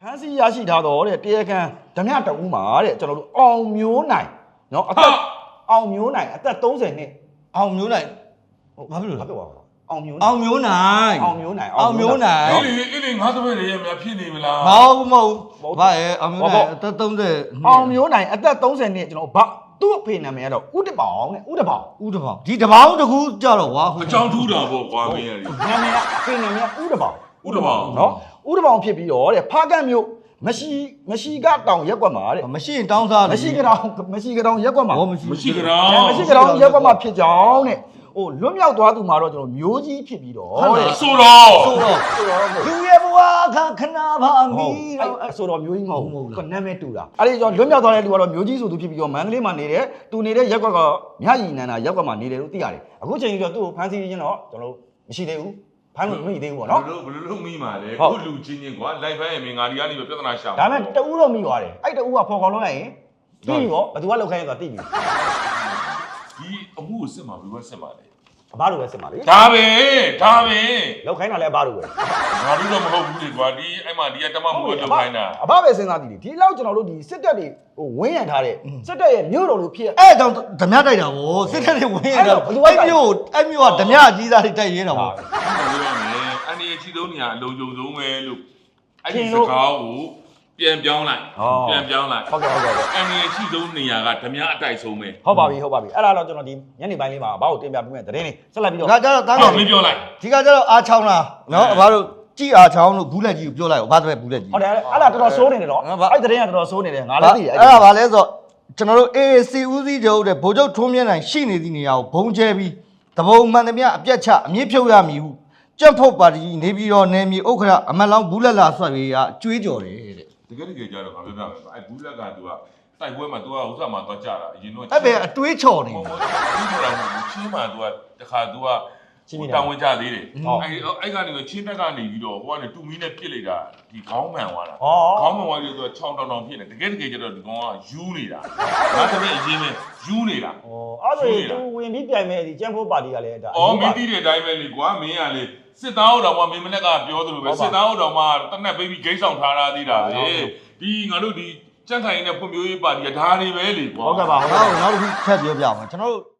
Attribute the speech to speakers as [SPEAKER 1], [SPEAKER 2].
[SPEAKER 1] ဖမ်းဆီးရရှိထားတော့တဲ့တရားခံဓမြတအူးမှာတဲ့ကျွန်တော်တို့အောင်မျိုးနိုင်နော်အသက်အောင်မျိုးနိုင်အသက်30နှစ်
[SPEAKER 2] အောင်မျိုးနိုင်ဘာဖြစ်လို့လဲ
[SPEAKER 1] အောင်မျိုး
[SPEAKER 2] အောင်မျိုးနိုင်
[SPEAKER 1] အောင်မျိုးနိုင်
[SPEAKER 3] အေးငါသဘက်ရေများဖြစ်နေမလား
[SPEAKER 2] မဟုတ်ဘာရဲ့အောင်မျိုးနိုင်အသက်30
[SPEAKER 1] အောင်မျိုးနိုင်အသက်30နှစ်ကျွန်တော်ဘာသူ့အဖေနာမည်ကတော့ဦးတပောင်တဲ့ဦးတပောင်
[SPEAKER 2] ဒီတပောင်တကူကြတော့ကွာ
[SPEAKER 3] အကြောင်းထူးတာပေါ့ကွာမင်းရည်
[SPEAKER 1] နာမည်ကအဖေနာမည်ဦးတပောင်
[SPEAKER 3] နော်
[SPEAKER 1] ဦးတပောင်ဖြစ်ပြီးတော့တဲ့ဖားကန့်မြို့မရှိကတောင်ရက်ကွက်မှာတဲ့
[SPEAKER 2] မရှိရင်တောင်းစား
[SPEAKER 1] မရှိကတောင်ရက်ကွက်မှာ
[SPEAKER 3] မရှိကတောင်
[SPEAKER 1] ရက်ကွက်မှာဖြစ်ကြောင်းတဲ့ဟိုလွတ်မြောက်သွားသူမှာတော့ကျွန်တော်မျိုးကြီးဖြစ်ပြီးတော့
[SPEAKER 3] တဲ့ဆိုတော့
[SPEAKER 1] လူရဲ့ဘဝခဏပါမီဆိုတော့မျိုးကြီးမဟုတ်ဘူးနာမည်တူတာအဲ့ဒီကျွန်တော်လွတ်မြောက်သွားတဲ့လူကတော့မျိုးကြီးဆိုသူဖြစ်ပြီးတော့မန္တလေးမှာနေတယ်သူနေတဲ့ရက်ကွက်ကမြရည်နန္ဒာရက်ကွက်မှာနေတယ်လို့သိရတယ်အခုချိန်ကြီးတော့သူ့ကိုဖမ်းဆီးခြင်းတော့ကျွန်တော်မရှိသေးဘူးဖမ်းလို့မရသေးဘူးပေါ့နော်
[SPEAKER 3] ဘယ်လိုမိမှာလဲခုလူချင်းချင်းကွာလိုက်ဖမ်းရင်မင်းငါဒီကနေပြဿနာရှာ
[SPEAKER 1] ဒါမဲ့တူးတော့မိသွားတယ်အဲ့တူးကဖော်ခေါ်လို့လိုက်ရင်သိပြီပေါ့ဘယ်သူကလောက်ခိုင်းရဆိုတာသိပြီ
[SPEAKER 3] ဒီအမှုကိုစစ်မှာဘယ်လိုစစ်မှာလဲ
[SPEAKER 1] အဘလိုပဲစစ်မှာလေ
[SPEAKER 3] ဒါပဲ
[SPEAKER 1] လောက်ခိုင်းတာလည်းအဘလိုပဲ
[SPEAKER 3] ငါတို့တော့မဟုတ်ဘူးလေကွာဒီအဲ့မှာဒီကတမမှုကိုလောက်ခိုင်းတာ
[SPEAKER 1] အဘပဲစဉ်းစားကြည့်ဒီလောက်ကျွန်တော်တို့ဒီစစ်တပ်တွေဟိုဝင်းရံထားတဲ့စစ်တပ်ရဲ့မြို့တော်လို့ဖြစ်
[SPEAKER 2] အဲ့ကြောင့်ဓမြတိုက်တာဗောစစ်တပ်တွေဝင်းရံတာအဲ့မြို့ကဓမြအကြီးစားတွေတိုက်ရဲတာဗော
[SPEAKER 3] အန်ဒီအချီဆုံးနေရအလုံးကြုံဆုံးပဲလို့အဲ့ဒီစကားကိုပြန်ပြောင်းလိုက်
[SPEAKER 1] ဟုတ်
[SPEAKER 3] အန်ဒီအချီဆုံးနေရကဓမြအတိုက်ဆုံးပဲ
[SPEAKER 1] ဟုတ်ပါပြီအဲ့ဒါတော့ကျွန်တော်ဒီညနေပိုင်းလေးမှာအဘကိုတင်ပြပေးမယ်သတင်းလေးဆက်လိုက်ပြီးတော့
[SPEAKER 2] ဒါကြတော့တား
[SPEAKER 3] တော့မင်းပြောလိုက်
[SPEAKER 2] ဒီကကြတော့အားချောင်းလားနော်အဘတို့ကြည်အားချောင်းလို့ဘူးလက်ကြီးကိုပြောလိုက်ဘာပဲဘူးလက်ကြီး
[SPEAKER 1] ဟုတ်တယ်အဲ့ဒါတော်တော်စိုးနေတယ်တော့အဲ့သတင်းကတော်တော်စိုးနေတယ်ငါလည်းသိတယ်
[SPEAKER 2] အဲ့ဒါဘာလဲဆိုတော့ကျွန်တော်တို့ AAC ဦးစီးချုပ်တဲ့ဗိုလ်ချုပ်ထွန်းမြတ်နိုင်ရှိနေသည့်နေရာကိုဘုံကျဲပြီးတဘုံမှန်သမျှအပြတ်ချအမြင့်ဖြုတ်ရမည်ဟုကြက်ဖို့ပါတီနေပြီးတော့နေမြေဥက္ခရအမတ်လောင်းဘူးလက်လာဆွတ်ပြီးကကြွေးကြော်တယ်တဲ့
[SPEAKER 3] တကယ်ကြတော့ငါပြောပြမယ်အဲ့ဘူးလက်က तू ကတိုက်ပွဲမှာ तू ကဥစ္စာမှာသွားကြတာအရင်တော့
[SPEAKER 2] အဲ့ပဲအတွေးချော်နေ
[SPEAKER 3] ဘူးချင်းမှာ तू ကတခါ तू ကတောင်းဝင်ကြသေးတယ်အဲ့ကနေချင်းတက်ကနေပြီးတော့ဟိုကနေတူမီနဲ့ပြစ်လိုက်တာဒီခေါင်းမှန်သွားတာခေါင်းမှန်သွားပြီးတော့ချောင်းတောင်ဖြစ်နေတကယ်ကြတော့ဒီကောင်ကယူနေတာငါတပည့်အရင်ပဲယူနေတာ
[SPEAKER 1] ဩအဲ့ဒါသူဝင်ပြီးပြိုင်မဲ့ဒီကျန်းဖို့ပါတီကလည်းဒါ
[SPEAKER 3] မင်းတီးတဲ့အတိုင်းပဲလေကွာမင်းကလေစစ်သားဟုတ်တော်မှမင်းမနဲ့ကပြောသလိုပဲစစ်သားဟုတ်တော်မှတနက်ပေးပြီးဂိမ်းဆောင်ထားတာသေးတာပဲဒီငါတို့ဒီကြန့်ခိုင်နေတဲ့ဖွံ့ဖြိုးရေးပါတီကဒါတွေပဲလေကွာ
[SPEAKER 2] ဟုတ်ကဲ့ပါနောက်တစ်ခုထပ်ပြောပြအောင်ကျွန်တော်တို့